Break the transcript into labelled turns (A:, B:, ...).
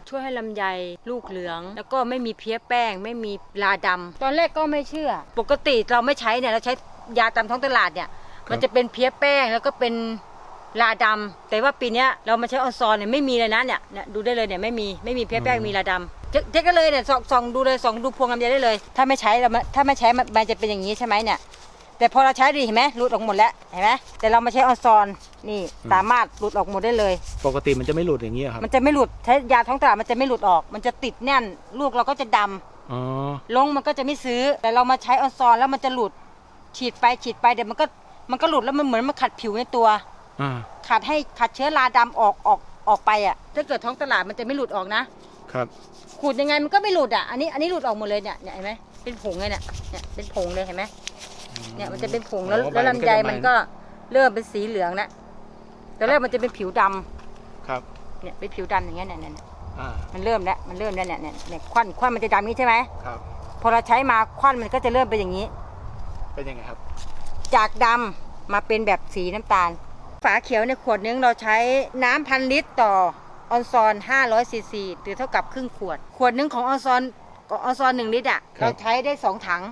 A: ช่วยให้ลำไยลูกเหลืองแล้วก็ไม่มีเพี้ยแป้งไม่มีราดำตอนแรกก็ไม่เชื่อปกติเราไม่ใช้เนี่ยเราใช้ยาตามท้องตลาดเนี่ยมันจะเป็นเพี้ยแป้งแล้วก็เป็นราดำแต่ว่าปีนี้เรามาใช้ออนซอนเนี่ยไม่มีเลยนะเนี่ยดูได้เลยเนี่ยไม่มีเพี้ยแป้งมีราดำเจ๊ก็เลยเนี่ยส่องดูเลยส่องดูพวงลำไยได้เลยถ้าไม่ใช้มันจะเป็นอย่างนี้ใช่ไหมเนี่ยแต่พอเราใช้ดีเห็นไหมหลุดออกหมดแล้วเห็นไหมแต่เรามาใช้ออนซอนนี่สามารถหลุดออกหมดได้เลย
B: ปกติมันจะไม่หลุดอย่างนี้ครับ
A: มันจะไม่หลุดใช้ยาท้องตลาดมันจะไม่หลุดออกมันจะติดแน่นลูกเราก็จะดำลงมันก็จะไม่ซื้อแต่เรามาใช้ออนซอนแล้วมันจะหลุดฉีดไปเดี๋ยวมันก็หลุดแล้วมันเหมือนมันขัดผิวในตัวขัดเชื้อราดำออกไปอ่ะถ้าเกิดท้องตลาดมันจะไม่หลุดออกนะครับขูดยังไงมันก็ไม่หลุดอ่ะอันนี้หลุดออกหมดเลยเนี่ยเห็นไหมเป็นผงเลยเนี่ยเป็นผงเลยเห็นไหมเนี่ยมันจะเป็นผงแล้วลำไยมันก็เริ่มเป็นสีเหลืองแล้วตอนแรกมันจะเป็นผิวดำ
B: ครับ
A: เนี่ยเป็นผิวดำอย่างเงี้ยเนี่ยมันเริ่มแล้วเนี่ยควันมันจะดำนี้ใช่ไหม
B: ครับ
A: พอเราใช้มาควันมันก็จะเริ่มเป็นอย่างนี้
B: เป็นยังไงครับ
A: จากดำมาเป็นแบบสีน้ำตาลฝาเขียวในขวดนึงเราใช้น้ำ1,000 ลิตรต่อออนซอน500 ซีซีหรือเท่ากับครึ่งขวดนึงของออนซอน1 ลิตรอ่ะเราใช้ได้2 ถัง